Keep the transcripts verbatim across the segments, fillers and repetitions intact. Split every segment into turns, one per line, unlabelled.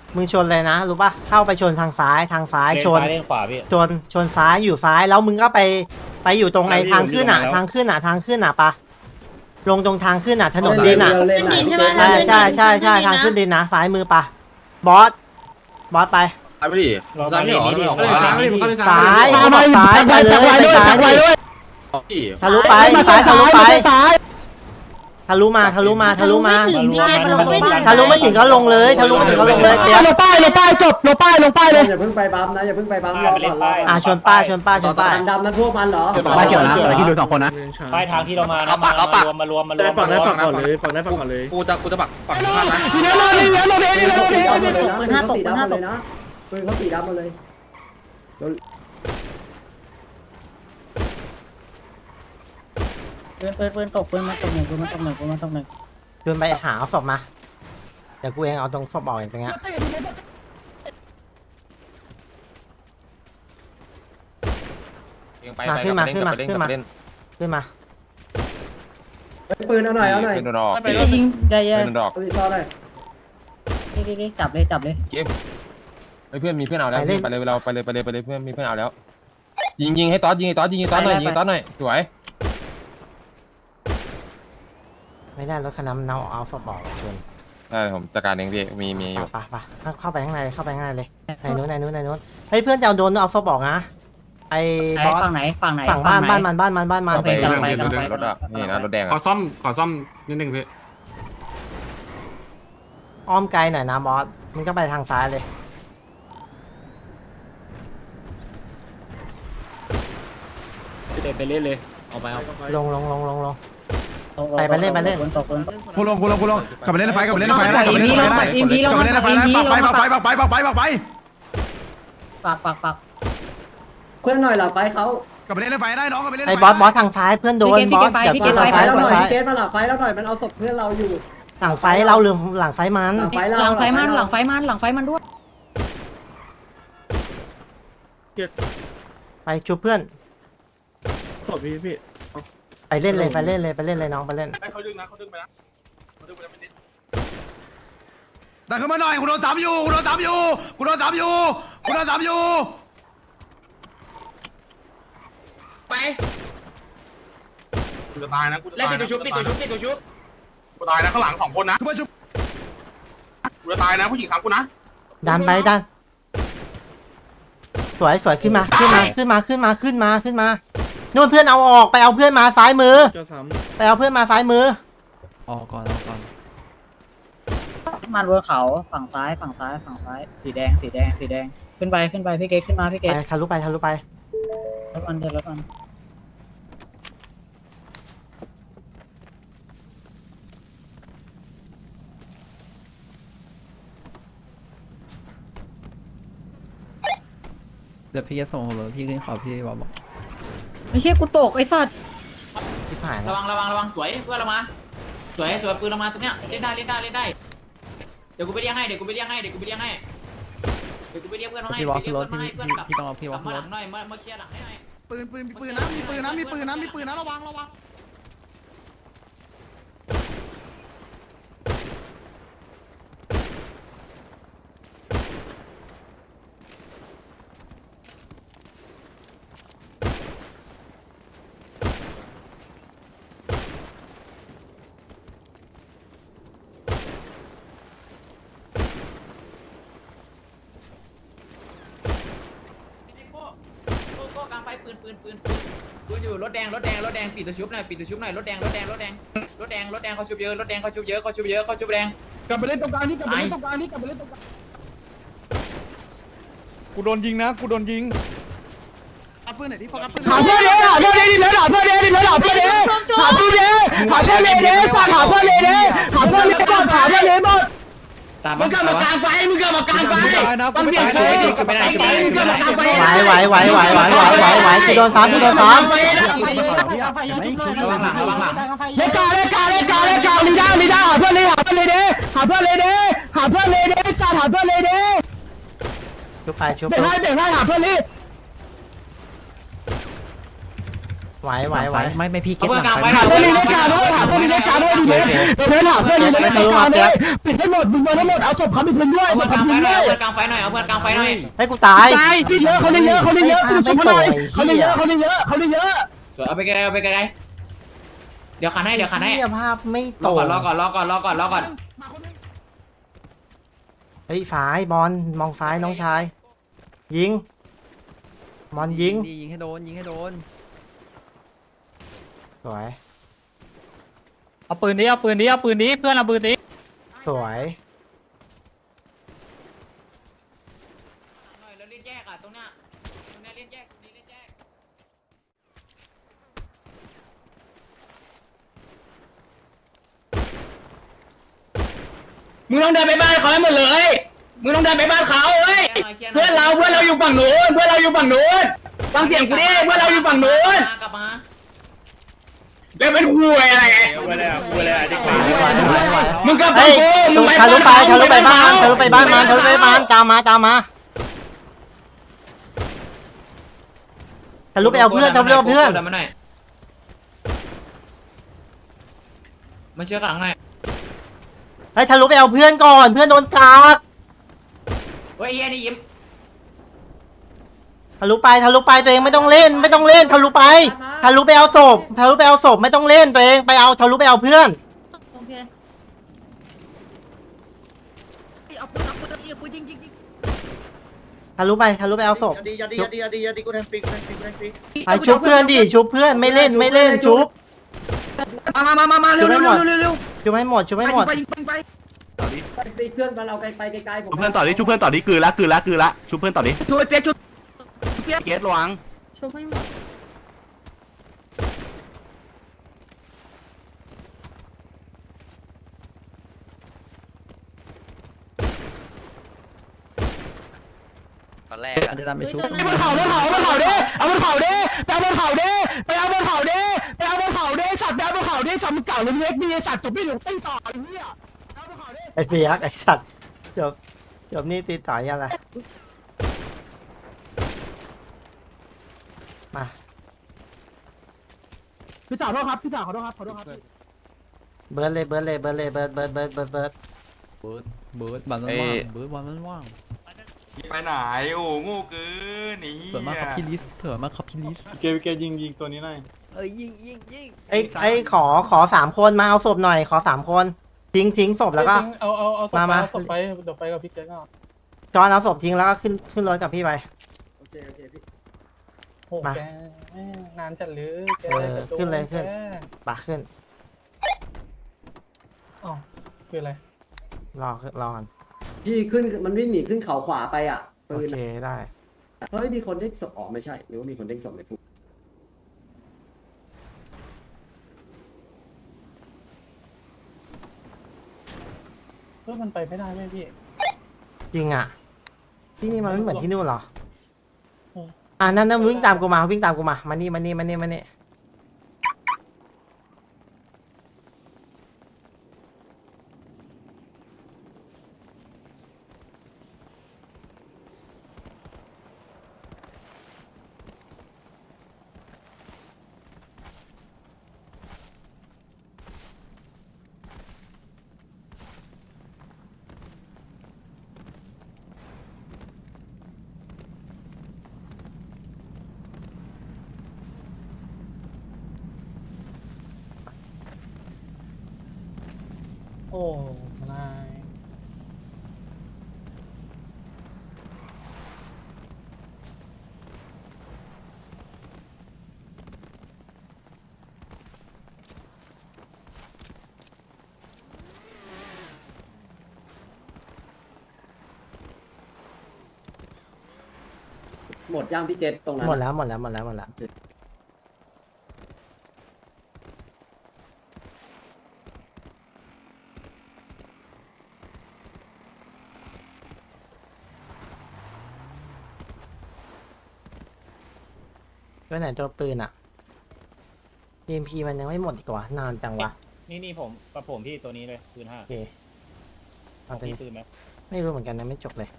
มึงชนเลยนะรู้ป่ะเข้าไปชนทางซ้ายทางซ้ายชน
เลนขวาพี่
ชนชนซ้ายอยู่ซ้ายแล้วมึงก็ไปไปอยู่ตรงไอ้ทางขึ้นอ่ะทางขึ้นอ่ะทางขึ้นอ่ะปะลงตรงทางขึ้นอ่ะถนนดินอ่ะ
ขึ้นดินใช่ไหม
ใช่ใช่ใช่ใช่ทางขึ้นดินนะซ้ายมือปะบอสบอสไป
ไปไม่ดิซ้ายไม่หรอไม่หรอขวา
ซ้ายซ้ายไปเลยไปซ้ายดิทะลุไปซ้ายทะลุไปทะลุมาทะลุมาทะลุมา
ถึงพี่เกมลงไม่ถึง
ทะลุไม่ถึงก็ลงเลยทะลุไม่ถึงก็ลงเลยเปียก
ลงป้ายลงป้ายจบลงป้ายลงป้ายเลย
อย่าเพิ่งไปบัมนะอย่าเพิ่งไปบัมรอก่อนรอ
อ่าชนป้ายชนป้ายชนป้าย
ดำนั้นพวกมันเหรอ
ป้ายเกี่ยวนะแต่ที่ดูสองคนนะ
ป้ายทางที่เรามานะมารวมมารวมมารวม
ฝั่งได้ฝั่งก่อนเลยฝั่งได้ฝั่งก่อนเลย
กูจะกูจะปักปักข้างนะ
ทีนี้เราเลยเราเลย
ปืน
เรา
เขา
เล
สี
ย
ดำหมดเลยนะปืนเขาสีดำหมดเลยนะปืนเขาสีดำหมดเลย
ปืนปืนปืนตกปืนมาตกหนึ่งปืนมาตกหนึ่งปืนมาตกหนึ่ง
เดินไปหาเอาศพมาเดี๋ยวกูเองเอาตรงศพออกอย่างเงี้ยมาขึ้นมาขึ้นมาขึ้นมาขึ้นมา
ปืนเอาหน่อยเอาหน่อย
เป็นดอก
ไปยิงใจเย็น
เป็นดอก
ปืนซ่อนหน่อย
ดิดิดิจับเลยจับเลย
เฮ้ยเพื่อนมีเพื่อนเอาแล้วไปเลยเราไปเลยไปเลยไปเลยเพื่อนมีเพื่อนเอาแล้วยิงยิงให้ต๊อดยิงให้ต๊อดยิงให้ต๊อดหน่อยยิงให้ต๊อดหน่อยสวย
ไม่ได้รถคันนั้นเอาเอาศพออกชน
ได้ผมจัดการเองพี่มีมีอยู่
ไปไปเข้าไปข้างในเข้าไปข้างในเลยในนู้นในนู้นในนู้นเฮ้ยเพื่อนจะเอาโดนเอาศพออกนะไอ้บอส
ฝั่งไหนฝั่งไหน
ฝั่งบ้านบ้านมันบ้านมันบ้านมัน
ไปกำลังไปกำลังไป
รถอ่ะนี่นะรถแดง
ขอ
อ่ะ
ซ่อมขอซ่อมนิดนึงพี่
อ้อมไกลหน่อยนะบอสมันก็ไปทางซ้ายเลย
เดินไปเล่นเลยเอาไปเอา
ลงลงลงลงลง
ปืนตกปืนตก
กูลงกูลงกูลงกลับไปเล่นในไฟกลับไปเล่นในไฟได้กลับไปเล่นในไฟได้กลับไปเล่นในไฟได้ปักไปปักไปปักไปปักไปปักไป
ปักปักปัก
เพื่อนหน่อยหลับไฟเขา
กลับไปเล่นในไฟได้น้องกลับไปเล่น
ไอ้บอสบอสทางซ้ายเพื่อนโดนบอสจับ
ไฟ
ทางซ้าย
แล้วหน่อย
ซ้าย
พี่เกตมาหลับไฟแล้วหน่อยมันเอาศพเพื่อนเราอยู่
หลังไฟเราหรือหลังไฟมัน
หลังไฟเรา
หลังไฟมันหลังไฟมันหลังไฟมันด้วย
ไปชุบเพื่อน
ขอพี่พี่
ไปเล่นเลยไปเล่นเลยไปเล่นเลยน้องไปเล่น
เขาดึงนะเขาดึงไปนะเขาดึงไปแล้วไม่นิด
ดันขึ้นมาหน่อยกูโดนสามอยู่กูโดนสามอยู่กูโดนสามอยู่กูโดนสามอยู่
ไปกูจะตายนะกูจะตายนะปิดตัวชุบปิดตัวชุบปิดตัวชุบกูตายนะข้างหลังสองคนนะ
ทุกคนชุบ
กูจะตายนะผู้หญิงสามคนนะ
ดันไปดันสวยสวยขึ้นมาขึ้นมาขึ้นมาขึ้นมาขึ้นมาขึ้นมานู่นเพื่อนเอาออกไปเอาเพื่อนมาซ้ายมือ
เจ้าซ้
ไปเอาเพื่อนมาซ้ายมือ
ำออกก่อนออกก่อน
มันบนเขาฝั่งซ้ายฝั่งซ้ายฝั่งซ้ายสีแดงสีแดงสีแดงขึ้นไปขึ้นไปพี่เกตขึ้นมาพี่เก
ไป
ต
ทะลุไปทะลุไป
รถมันเดินรถมัน
เดี๋ยวพี่จะส่งเลยพี่ขึ้นขอพี่บอกบอก
ไม่ใช่กูตกไอ้สัตว์
ที่ผ่าน
ระวังระวังระวังสวยเพื่อนเรามาสวยสวยปืนเรามาตรงเนี้ยเล่นได้เล่นได้เล่นได้เดี๋ยวกูไปเรียกให้เดี๋ยวกูไปเรียกให้เดี๋ยวกูไปเรียกให้เดี๋ยวกูไปเรียกเพื่อนมาให้
พี่วอล
เรี
ขึ้
ย
น
ก
รถ
เพื่อนมา
พี่
ให้เพื่อนกลับ
พี่ต้องเอาพี่ว
ก
อ
ลั
ล
บ มาหลั
ขึ้นรถ
งหน่อยมามาเคลียร์หลังให้หน่อย
ปืนปืนมีปืนนะมีปืนนะมีปืนนะมีปืนนะระวังระวัง
โก้โก้โก้กลางไฟปืนปืนปืนปืนปืนอยู่รถแดงรถแดงรถแดงปิดตัวชุบหน่อยปิดตัวชุบหน่อยรถแดงรถแดงรถแดงรถแดงรถแดงเขาชุบเยอะรถแดงเขาชุบเยอะเขาชุบเยอะเขาชุบแดง
กลับไปเล่นตรงกลางนี่กลับไปเล่นตรงกลางนี่กลับไปเล่นตรงกลาง
กูโดนยิงนะกูโดนยิง
เอาปืนไหนที่โฟกัสปืนหาเพื่อนเด้หาเพื่อนเด้ดิเพื่อนหาเพื่อนเด้ดิเพื่อนหาเพื่อนเด้หาเพื่อนเด้หาเพื่อนเด้เด้สั่งหาเพื่อนเด้เด้หาเพื่อนเด้หมดหาเพื่อนเด้หมด
ตาม
มึงกลับมากลางไฟมึงกลับมากลางไฟฟังเสียงกู
ไม่ได้ไม่ได้
มึงกลับมากลางไฟ
ไหวไหวไหวไหวไหวไหวไหวไหวกูโดนซ้ำกูโดนซ้
ระวังหลังระวังหลัง
เลกาเลกาเลกาเลกาลีด้าลีด้าหาเพื่อนเลยหาเพื่อนเลยเด้หาเพื่อนเลยเด้หาเพื่อนเลยเด้สั่งหาเพื่อนเลยเด้
ำชุบไปชุบ
เบรกให้เบรกให้หาเพื่อนเลย
ไหวไหวไหว
ไม่ไม่พี่เก็
เอา
ต
เพื่อนกลางไฟ
หาเพื่อนรีเลกาด้วยหาเพื่อนรีเลกาด้วยดีเบสเดี๋ยวเพื่อนหาเพื่อนรีเลกาด้วยปิดให้หมดมึงเบอร์ให้หมดเอาศพเขาไปคืนด้วย
เอา
ศ
เพื่อ
พ
นก
เขา
ลางไฟ
คืน
หน่อย
ด้วย
เอาเพื่อนกลางไฟหน่อยเอาเพื่อนกลางไฟหน่อย
ให้กูตาย
ตายพี่เยอะเขาได้เยอะเขาได้เยอะไปดูศพหน่อยเขาได้เยอะเขาได้เยอะเขาได้เยอะ
สวยเอาไปไกลๆเอาไปไกลๆเดี๋ยวขันให้เดี๋ยวขันให้
เหี้ยภาพไม่
ร
ต
อ
รง
ก่อนรอก่อนรอก่อนรอก่อนรอก่อน
เฮ้ยฝายบอลมองซ้ายน้องชาย ยิงบอลยิง
ดียิงให้โดนยิงให้โดน
สวย
เอาปืนนี้เอาปืนนี้เอาปืนนี้เพื่อนเอาปืนนี้
สวย
หน่อยแล้วเล่นแยกอ่ะตรงเนี้ยตรงเนี้ยเล่นแยกตรงนี้เล่นแยก
มึงต้องเดินไปบ้านเขาให้หมดเลยมึงต้องเดินไปบ้านเขาเฮ้ย เพื่อนเราเพื่อนเราอยู่ฝั่งนู้นเพื่อนเราอยู่ฝั่งนู้นฟังเสียงกูดิเพื่อนเราอยู่ฝั่งนู้น
กลับมา
แล้วเป็นคุยอะไร
กูเลยอ่ะกูเลยอ่ะดิ
ไหวไหวไหว
มึงก็ฟั
เฮ้
ง
ย
กูมึงไป
ทะลุไปทะลุไปบ้านทะลุไปบ้านมันทะลุไปบ้านตามมาตามมาทะลุไปเอาเพื่อนทะลุไปเอาเพื่อน
ดิมาหน่อยมาเชื่อกันหลังหน่อย
เฮ้ยทะลุไปเอาเพื่อนก่อนเพื่อนโดนกาก
เฮ้ยไอ้เหี้ยนี่ยิ้ม
ทะลุไปทะลุไปตัวเองไม่ต้องเล่น ไม่ต้องเล่นทะลุไปทะลุไปเอาศพทะลุไปเอาศพไม่ต้องเล่นตัวเองไปเอาทะลุไปเอาเพื่อน
โอเคเอาปืนเอาปืนยิงปืนยิงยิงยิง
ทะลุไปทะลุไปเอาศพ
ดีดีดีดีดีกูแทงฟิกแทงฟิกแทงฟิก
ไปชุบเพื่อนดิชุบเพื่อนไม่เล่นไม่เล่นชุบ
มามามามามาเร็วเร็วเร็วเร็วเร็ว
ชุบให้หมดชุบให้หมด
ไปยิงไปยิงไป
ไปเพื่อนมาเราไกลไปไกลๆผม
เพื่อนต่อดิชุบเพื่อนต่อดิกือละกือละกือละชุบเพื่อนต่อดิ
ช่วยเปียช่วย
เกตระวัง
ช่วยให้หมด
ตอนแรก
อันจะตามไปชุบ
เอาบนเขาบนเขาบนเขาดิเอาบนเขาดิไปเอาบนเขาดิไปเอาบนเขาดิไปเอาบนเขาดิสัตว์ไปเอาบนเขาดิสัตว์มึงเก่าเล็กๆดีสัตว์จบไม่ถึงตีต่อไอ้เหี้ยเอาบนเขาดิ
ไอ้เปียกไอ้สัตว์จบจบนี่ตีต่อยอะไรมา
พี่สาวขอโทษครับพี่สาวขอโทษครับขอโทษครับ
เบิร์ดเลยเบิร์ดเลยเบิร์ดเลยเบิร์ดเบิร์ดเบิร์ดเบิร์ดเบิร์ด
เบิร์ดเบิร์ดบันมันว่างเบิร์ดวันมันว่าง
ไปไหนโอ้งูเกินนี่
สวยมากครับพี่ลิสเถอะมากครับพี่ลิส
เกเกยิงยิงตัวนี้หน่อย
เอ้ยยิงยิงยิง
ไอ้ไอ้ขอขอสามคนมาเอาศพหน่อยขอสามคนทิ้งทิ้งศพแล้วก็
เอาเอาเอา
มามา
ศพไปเดี๋ยวไปกับพี่เจ๊ก็
จอนเอาศพทิ้งแล้วก็ขึ้นขึ้นรถกับพี่ไป
โอเคโอเคพี่
โอ้แกนานจัดเลยแก
เออขึ้นเลยขึ้นปะขึ้น
อ๋อคืออะไร
รอรอก่อน
พี่ขึ้นมันวิ่งหนีขึ้นเขาขวาไปอ่ะ
โอ
ปืน
เคได้
เฮ้ยมีคนเด้งศพอ๋อไม่ใช่หรือว่ามีคนเด้งศพในพุ่ง
เพื่อมันไปไม่ได้ไหมพี่
จริงอ่ะที่นี่มันไม่เหมือนที่นู่นเหรอ
อืม
อ่านั่นนั่นวิ่งตามกูมาวิ่งตามกูมามานี่มานี่มานี่มานี่
โอ้นาย
หมดย่างพี่เจษตรงนั้น
หมดแล้วหมดแล้วหมดแล้วหมดแล้ว ไปไหนตัวปืนอ่ะ อี เอ็ม พี มันยังไม่หมดอีกว่านานจังวะ
นี่นี่ผมกับผมพี่ตัวนี้เลยปืนห้า
โอเค
ขอ
เอา
ง
ไป
พี่ปืนไหม
ไม่รู้เหมือนกันนะไม่จบเลย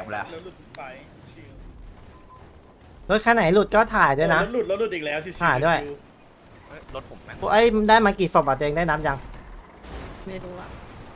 แล้ว
รถคันไหนหลุดก็ถ่ายด้วยนะ
หลุดแล้วหลุดอีกแล้วชิว
ถ่ายด้วย
รถผมแม่ง
ไอ้ยได้มากี่ศพอ่ะตัวเองได้นับยัง
ไม่รู้อะ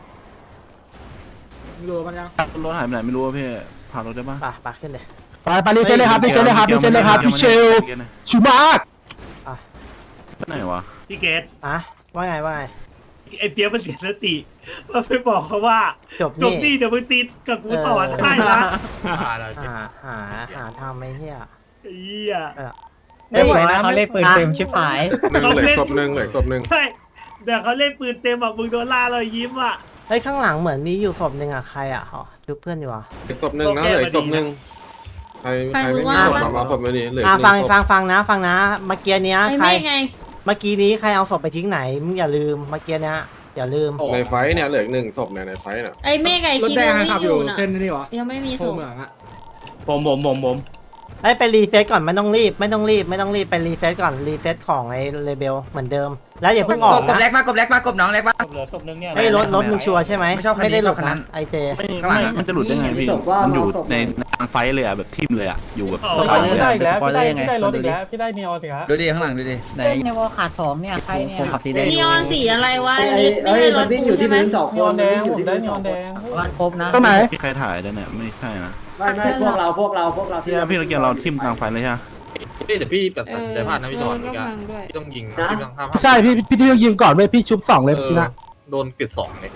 อยู่มันยัง
รถหายไปไหนไม่รู้พี่พารถได้ปะ
ป่ะป่ะขึ้นเลย
ไปไปรีเซ็ตเลยครับรีเซ็ตเลยครับรีเซ็ตเลยครับพี่เชลชิวมาก
อ่ะ
ไปไหนวะพี่เกต
อ่ะว่าไงว่าไง
ไอเปียกมันเสียสติว่าไปบอกเขาว่า
จบ
จบ
นี่
นี่เดี๋ยวมึงตีกับกูต่อได้นะ
หาหาหาทำไอ้เหี้ย
ไอ้เหี้ย
เออ
ไม่ไหวนะเขาเล่นปืนเต็มชิบหาย
หนึ่งเหลือศพหนึ่งเหลือศพหนึ่ง
ใช่เดี๋ยวเขาเล่นปืนเต็มอ่ะมึงโดนล่าเรายิ้มอ่ะ
เฮ้ยข้างหลังเหมือนมีอยู่ศพหนึ่งอ่ะใครอ่ะอ๋อดูเพื่อนอยู่อ่ะ
อีกศพหนึ่งนะเหลืออีกศพหนึ่งใครใครไม่มีศพมามาศพมาดิเหลือ
อ่ะ
หนึ่
ฟัง
ศพ
ฟังฟังนะฟังนะเมื่อกี้เนี้ย
ไอ้
ใคร
แม่ไง
เมื่อกี้นี้ใครเอาศพไปทิ้งไหนมึงอย่าลืมเมื่อกี้เนี้ยอย่าลืม
ในไฟเนี่ยเหลืออีกหนึ่งศพเนี่ยในไฟน่ะ
ไอ้แม่ไงคิดว่าไม่อยู่นะยังไม่มีส่ง
ผมผมผมผม
ไอ้ยไปรีเฟซก่อนไม่ต้องรีบไม่ต้องรีบไม่ต้องรีบไปรีเฟซก่อนรีเฟซของไอ้เลเบลเหมือนเดิม แล้วอย่าเพิ่งออก
กบแร
นะ
กมากบแรกมากบน้องแรกมา
เหลือศพนึงเนี่ย
ไอ้ยรถรถมึงชัวร์ใช่ไหม
ไม่ชอบคันนี้
ไม่ได้หลุด
ชอบคันนั้
นะ
น
ไอเจ
ไม่มันจะหลุดได้ไงพี่ มันอยู่ในทางไฟเลยอ่ะแบบทิ่มเลยอ่ะ อยู่แบบ
พี่ได้อีกแล้วพี่ได้พี่ได้รถอีกแล้วพี่ได้นีออนอีกแล้ว
ดูดิข้างหลังดูดิ
ไหน
เล่นในวอลขาดสองเนี่ยใครเนี่ย
ผมขับสีแดง
นีออนสีอะไรวะ
ไอ้
ลิฟต์ไม่
ไอ้
ใช่ร
มั
ถ
นวิ่งอ
กู
ยู่ที่
ใช่ไหม
พื้นสองค
นีออน
น
แดง
วิ่งอยู่
ผม
ที่
ได้
พื้น
นี
ส
อ
อ
อง น
ค
แด
น
ง
วันครบนะ
ก็ไหน
ใครถ่ายได้เนี่ย ไม่ใช่นะ
ไม่ไม่พวกเราพวกเราพวกเราที่
พี่พี่ตะเกียบเราทิ่มกลางไฟเลยใช่ไหม
พี่แต่พี่แบบแต่พลาดนะพี่จอนพี่ต้องยิง
นะ
ใช่พี่พี่ที่ต้องยิงก่อนเว้ยพี่ชุบสองเลยพี่นะ
โดนปิดสองเลย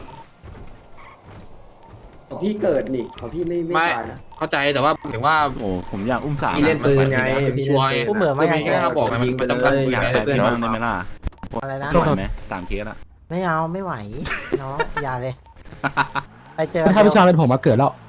ของพี่เกิดนี่ของพี่ไม่ไม่ตายนะ
เข้าใจแต่ว่าถึงว่า
โอ้ผมอยากอุ้มสาม
พี่เล่นปืนไง
ช่วย
กูเหมือนมาไง
แค่เขาบอกไงมันจำกัดปืน
อยาก
ไง
แตะพี่บ้างได้ไหมล่ะ
อะไรนะ
ไหวไหมสามเคสอะ
ไม่เอาไม่ไหวน้องอย่าเลย ไปเจอ
ถ้าพี่ชายเป็นผมมาเกิดแล้ว